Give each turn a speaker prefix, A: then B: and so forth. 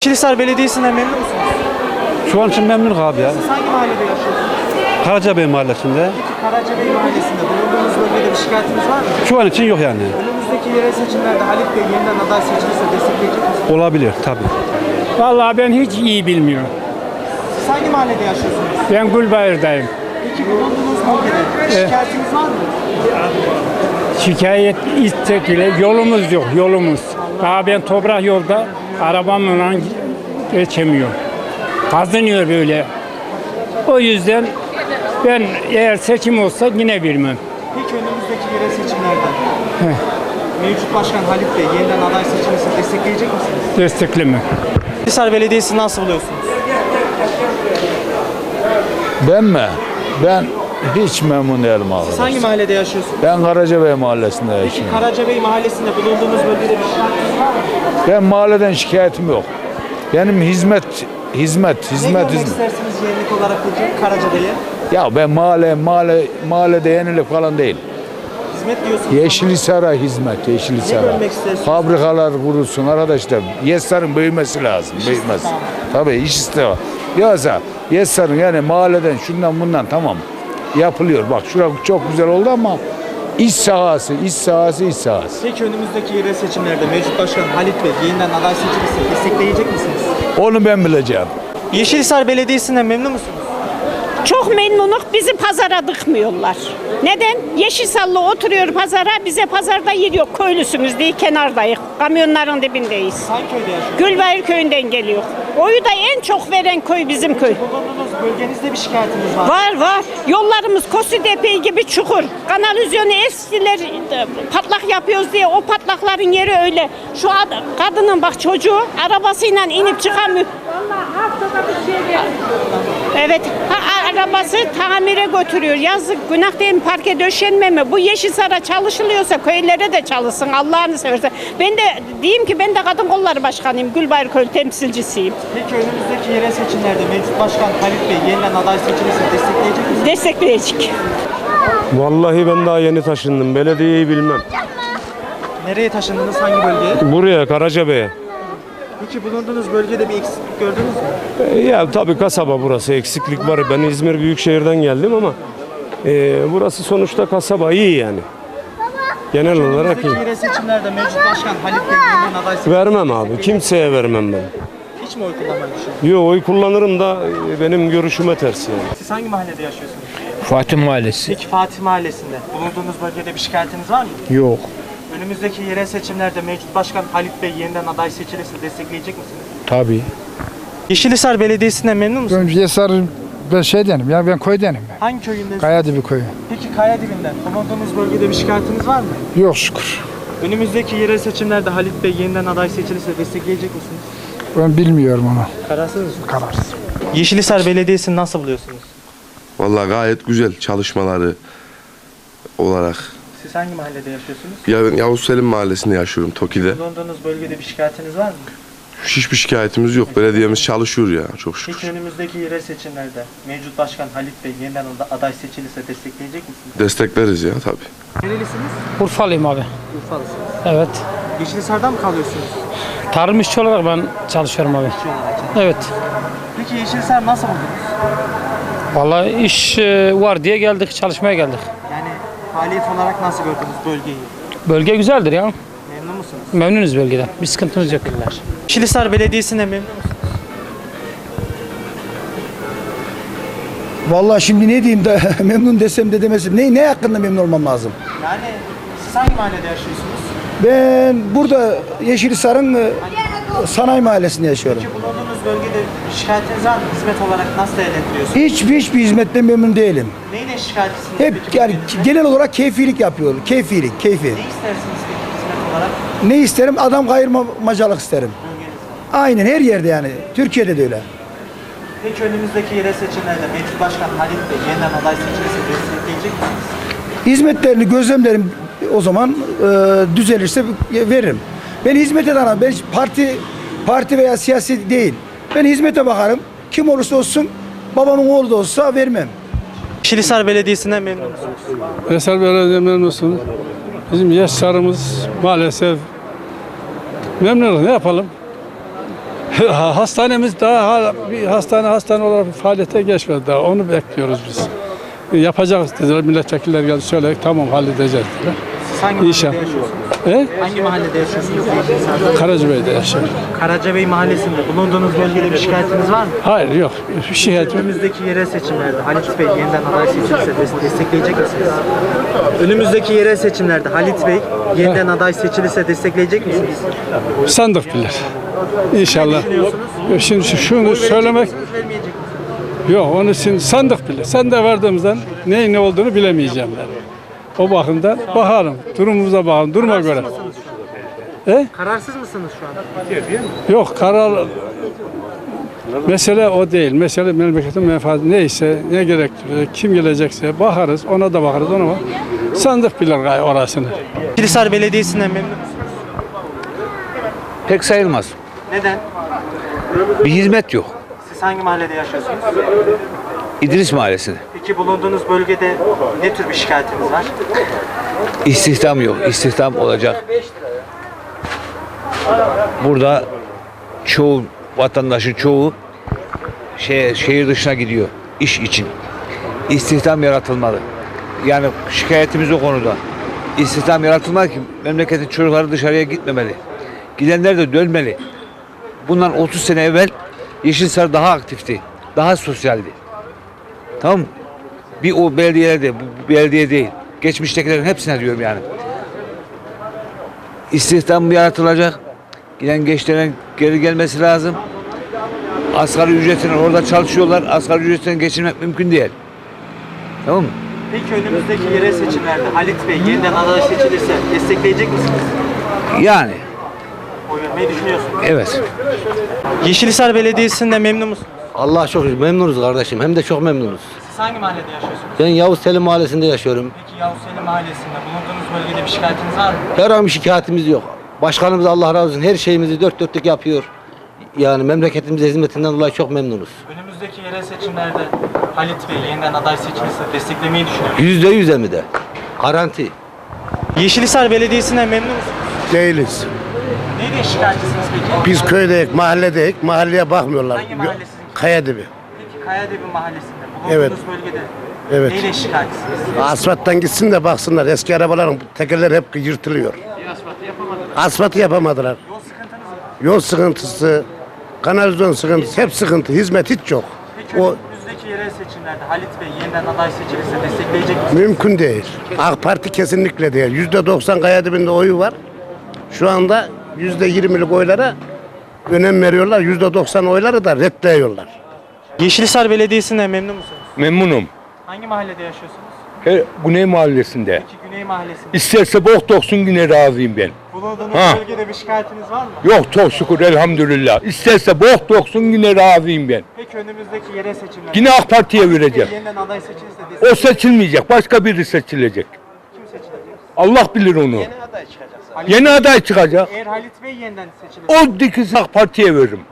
A: Yeşilhisar Belediyesi'nden memnun musunuz?
B: Şu an için memnunum abi ya.
A: Siz hangi mahallede yaşıyorsunuz?
B: Karacabey Mahallesi'nde.
A: Peki Karacabey Mahallesi'nde bulunduğunuz bölgede bir şikayetiniz var mı?
B: Şu an için yok yani.
A: Önümüzdeki yerel seçimlerde Halit Bey yeniden aday seçilirse destekleyecek misiniz?
B: Olabilir tabii.
C: Vallahi ben hiç iyi bilmiyorum.
A: Siz hangi mahallede yaşıyorsunuz?
C: Ben Gülbayır'dayım.
A: Peki bulunduğunuz bölgede şikayetiniz var mı?
C: Şikayet istek ile yolumuz yok, yolumuz. Daha ben toprak yolda arabamla geçemiyorum. Kazanıyor böyle. O yüzden ben eğer seçim olsa yine bilmem.
A: Peki önümüzdeki yerel seçimlerde mevcut başkan Halit Bey yeniden aday seçilirse destekleyecek misiniz?
C: Desteklemem.
A: Yeşilhisar Belediyesi'ni nasıl buluyorsunuz?
D: Ben mi? Ben hiç memnun değilim abi.
A: Siz hangi mahallede yaşıyorsunuz?
D: Ben Karacabey Mahallesi'nde
A: Peki
D: yaşıyorum.
A: Karacabey Mahallesi'nde bulunduğunuz bölgede bir şikayetiniz var mı?
D: Ben mahalleden şikayetim yok. Benim hizmet.
A: Ne görmek istersiniz yenilik olarak peki Karacabey'e?
D: Ya ben mahallede yenilik falan değil.
A: Hizmet diyorsunuz.
D: Yeşilhisar'a hizmet,
A: Ne
D: Yeşilhisar'a.
A: görmek istersiniz?
D: Fabrikalar kurulsun arkadaşlar. Yesar'ın büyümesi lazım. Büyümez.
A: istihdamı.
D: Tabii iş istihdamı. Yoksa Yesar'ın yani mahalleden şundan bundan tamam yapılıyor. Bak şurası çok güzel oldu ama iş sahası.
A: Peki önümüzdeki yerel seçimlerde mevcut başkan Halit Bey yeniden aday seçilirse destekleyecek misiniz?
D: Onu ben bileceğim.
A: Yeşilhisar Belediyesi'nden memnun musunuz?
E: Çok memnunuk, bizi pazara dıkmıyorlar. Neden? Yeşilsallı oturuyor pazara, bize pazarda yer yok. Köylüsünüz diye kenardayız. Kamyonların dibindeyiz.
A: Hangi köyde yaşıyorsunuz?
E: Gülbayır köyünden geliyor. Oyu da en çok veren köy bizim köy.
A: Bulunduğunuz bölgenizde bir şikayetiniz var mı?
E: Var. Yollarımız Kosidepe gibi çukur. Kanalizyonu eskiler patlak yapıyoruz diye o patlakların yeri öyle. Şu kadının bak çocuğu arabasıyla inip çıkamıyor. Evet, arabası tamire götürüyor. Yazık, günah değil mi? Parke döşenme mi? Bu Yeşilsar'a çalışılıyorsa köylere de çalışsın Allah'ını seversen. Ben de diyeyim ki ben de kadın kolları başkanıyım. Gülbayır köy temsilcisiyim.
A: Peki önümüzdeki yerel seçimlerde mevcut başkan Halit Bey yeniden aday seçilirse destekleyecek misiniz?
E: Destekleyecek.
F: Vallahi ben daha yeni taşındım. Belediyeyi bilmem.
A: Nereye taşındınız? Hangi bölgeye?
F: Buraya Karacabey'e.
A: Peki bulunduğunuz bölgede bir eksiklik gördünüz mü?
F: Ya tabii kasaba burası. Eksiklik var. Ben İzmir Büyükşehir'den geldim ama burası sonuçta kasaba iyi yani. Genel olarak
A: Önümüzdeki
F: iyi.
A: yerel seçimlerde mevcut başkan Halit Bey yeniden aday seçilirse
F: Vermem abi. Kimseye vermem ben.
A: hiç mi oy kullanmayı düşünüyorsunuz?
F: Yo oy kullanırım da benim görüşüme ters yani.
A: Siz hangi mahallede yaşıyorsunuz?
G: Fatih Mahallesi.
A: Peki Fatih Mahallesi'nde bulunduğunuz bölgede bir şikayetiniz var mı?
G: Yok.
A: Önümüzdeki yerel seçimlerde mevcut başkan Halit Bey yeniden aday seçilirse destekleyecek misiniz?
G: Tabii.
A: Yeşilhisar Belediyesi'nden memnun musunuz?
H: Ben Yesar ben şeydenim ya ben köydenim.
A: Hangi köyündesiniz?
H: Kayadibi köyü.
A: Peki Kayadibi'nden bulunduğunuz bölgede bir şikayetiniz var mı?
H: Yok şükür.
A: Önümüzdeki yerel seçimlerde Halit Bey yeniden aday seçilirse destekleyecek misiniz?
H: Ben bilmiyorum onu.
A: Kararsınız mı?
H: Kararsız.
A: Yeşilhisar Belediyesi'ni nasıl buluyorsunuz?
I: Vallahi gayet güzel çalışmaları olarak.
A: Siz hangi mahallede yaşıyorsunuz?
I: Ya ben Yavuz Selim Mahallesi'nde yaşıyorum, Toki'de.
A: Bulunduğunuz bölgede bir şikayetiniz var mı?
I: Hiçbir şikayetimiz yok. Belediyemiz çalışıyor ya çok
A: Peki
I: şükür.
A: önümüzdeki yerel seçimlerde mevcut başkan Halit Bey yeniden aday seçilirse destekleyecek misiniz?
I: Destekleriz ya tabii.
A: Nerelisiniz?
C: Urfalıyım abi.
A: Urfalısınız.
C: Evet.
A: Yeşilhisar'da mı kalıyorsunuz?
C: Tarım işçi olarak ben çalışıyorum abi.
A: İşçi olarak.
C: Evet.
A: Peki Yeşilhisar nasıl buldunuz?
C: Vallahi iş var diye geldik, çalışmaya geldik.
A: Yani faaliyet olarak nasıl gördünüz bölgeyi?
C: Bölge güzeldir ya.
A: Memnun musunuz?
C: Memnunuz bölgeden. Bir sıkıntımız yok.
A: Yeşilhisar Belediyesi'ne memnun musunuz?
J: Vallahi şimdi ne diyeyim de memnun desem de demesem. Ne hakkında memnun olmam lazım?
A: Yani siz hangi mahallede yaşıyorsunuz?
J: Ben burada Yeşilhisar'ın Sanayi Mahallesi'nde yaşıyorum.
A: Peki bulunduğunuz bölgede şikayetiniz var mı? Hizmet olarak nasıl değerlendiriyorsunuz?
J: Hiçbir hizmetten memnun değilim.
A: Neyle şikayetçisiniz?
J: Hep
A: peki
J: yani
A: belediyeden?
J: genel olarak keyfilik yapıyor. Keyfi.
A: Ne istersiniz peki hizmet olarak?
J: Ne isterim? Adam kayırmacılık isterim. Aynen her yerde yani. Türkiye'de de öyle.
A: Peki önümüzdeki yerel seçimlerde mevcut başkan Halit Bey yeniden aday seçilirse destekleyecek misiniz?
J: Hizmetlerini gözlemlerim o zaman düzelirse veririm. Ben hizmete danarım. Ben parti veya siyasi değil. Ben hizmete bakarım. Kim olursa olsun babamın oğlu da olsa vermem.
A: Yeşilhisar Belediyesi'nden memnun musunuz?
B: Yeşilhisar Belediye memnunsun. Bizim Yeşilhisar'ımız maalesef memnunuz. Ne yapalım? Hastanemiz daha bir hastane olarak bir faaliyete geçmedi daha. Onu bekliyoruz biz. Yapacağız dediler. Milletvekilleri geldi söyledik. Tamam halledeceğiz dediler.
A: Siz hangi mahallede
B: İnşallah.
A: yaşıyorsunuz? Hangi mahallede yaşıyorsunuz?
B: Karacabey'de yaşıyorum.
A: Karacabey mahallesinde bulunduğunuz bölgede bir şikayetiniz var mı?
B: Hayır yok. Şikayet yok.
A: Önümüzdeki yerel seçimlerde Halit Bey yeniden aday seçilirse destekleyecek misiniz? Önümüzdeki yerel seçimlerde Halit Bey yeniden aday seçilirse destekleyecek misiniz?
B: Sandık bilir. İnşallah. Şimdi şunu söylemek
A: Vermeyecek misiniz?
B: yok. Onu şimdi sandık bilir. Sandığa vardığımızdan neyin ne olduğunu bilemeyeceğim ben. O bakımdan bakalım. Durumumuza bakalım. Duruma göre.
A: Kararsız mısınız şu an?
B: Yok karar mesele o değil. Mesele memleketin menfaati neyse, ne gerektiriyor, kim gelecekse bakarız, ona da bakarız, ona bak. Sandık bilir orasını.
A: Kilisar Belediyesi'nden memnun musunuz?
D: Pek sayılmaz.
A: Neden?
D: Bir hizmet yok.
A: Siz hangi mahallede yaşıyorsunuz?
D: İdris Mahallesi'nde.
A: Peki bulunduğunuz bölgede ne tür bir şikayetiniz var?
D: İstihdam yok. İstihdam olacak. Burada çoğu vatandaşın çoğu şehir dışına gidiyor iş için. İstihdam yaratılmalı. Yani şikayetimiz o konuda. İstihdam yaratılmalı ki memleketin çocukları dışarıya gitmemeli. Gidenler de dönmeli. Bundan 30 sene evvel Yeşilsar daha aktifti. Daha sosyaldi. Tamam mı? Bir o belediyelerde, bu belediye değil. Geçmiştekilerin hepsine diyorum yani. İstihdam yaratılacak. Giden gençlerin geri gelmesi lazım. Asgari ücretine orada çalışıyorlar. Asgari ücretten geçinmek mümkün değil. Tamam mı?
A: Peki önümüzdeki yerel seçimlerde Halit Bey yeniden aday seçilirse destekleyecek misiniz?
D: Yani.
A: Oy vermeyi düşünüyorsunuz.
D: Evet.
A: Yeşilhisar Belediyesi'nden memnun musunuz?
G: Allah çok şükür memnunuz kardeşim. Hem de çok memnunuz.
A: Siz hangi mahallede yaşıyorsunuz?
G: Ben Yavuz Selim Mahallesi'nde yaşıyorum.
A: Peki Yavuz Selim Mahallesi'nde bulunduğunuz bölgede bir şikayetiniz var mı?
G: Herhangi bir şikayetimiz yok. Başkanımız Allah razı olsun her şeyimizi dört dörtlük yapıyor. Yani memleketimize hizmetinden dolayı çok memnunuz.
A: Önümüzdeki yerel seçimlerde Halit Bey yeniden aday seçilirse desteklemeyi düşünüyorum.
G: %100 mi de? Garanti.
A: Yeşilhisar Belediyesi'nden memnun musunuz?
K: Değiliz.
A: Neyden şikayetçisiniz peki?
K: Biz köydeyiz, mahalledeyiz. Mahalleye bakmıyorlar.
A: Hangi mahallesiniz?
K: Kayadibi.
A: Peki Kayadebi Mahallesi'nde bulunduğunuz
K: Evet.
A: bölgede
K: Evet.
A: neyden şikayetçisiniz?
K: Asfalttan gitsin de baksınlar. Eski arabaların tekerleri hep yırtılıyor. Asfaltı yapamadılar.
A: Yol sıkıntınız mı?
K: Yol sıkıntısı, kanalizasyon sıkıntısı, hep sıkıntı. Hizmet hiç yok.
A: Peki
K: O
A: önümüzdeki yerel seçimlerde Halit Bey yeniden aday seçilirse destekleyecek misiniz?
K: mümkün değil. AK Parti kesinlikle değil. %90 Kayadibi'nde oyu var. Şu anda %20'lik oylara önem veriyorlar. %90 oyları da reddediyorlar.
A: Yeşilhisar Belediyesi'nden memnun musunuz?
L: Memnunum.
A: Hangi mahallede yaşıyorsunuz?
L: Güney Mahallesi'nde.
A: Peki Güney Mahallesi'nde.
L: İsterse bok doksun yine razıyım ben.
A: Bulunduğunuz
L: Ha.
A: bölgede bir şikayetiniz var mı?
L: Yok çok şükür elhamdülillah. İsterse bok doksun yine razıyım ben.
A: Peki önümüzdeki yerel seçimlerde
L: Yine AK Parti'ye vereceğim.
A: yeniden aday seçilirse
L: O
A: destekleyecek
L: seçilmeyecek. Başka biri seçilecek.
A: kim seçilecek?
L: Allah bilir onu.
A: Yeni aday çıkacak.
L: Yeni aday çıkacak.
A: Eğer Halit Bey yeniden seçilirse
L: O dikisi AK Parti'ye veririm.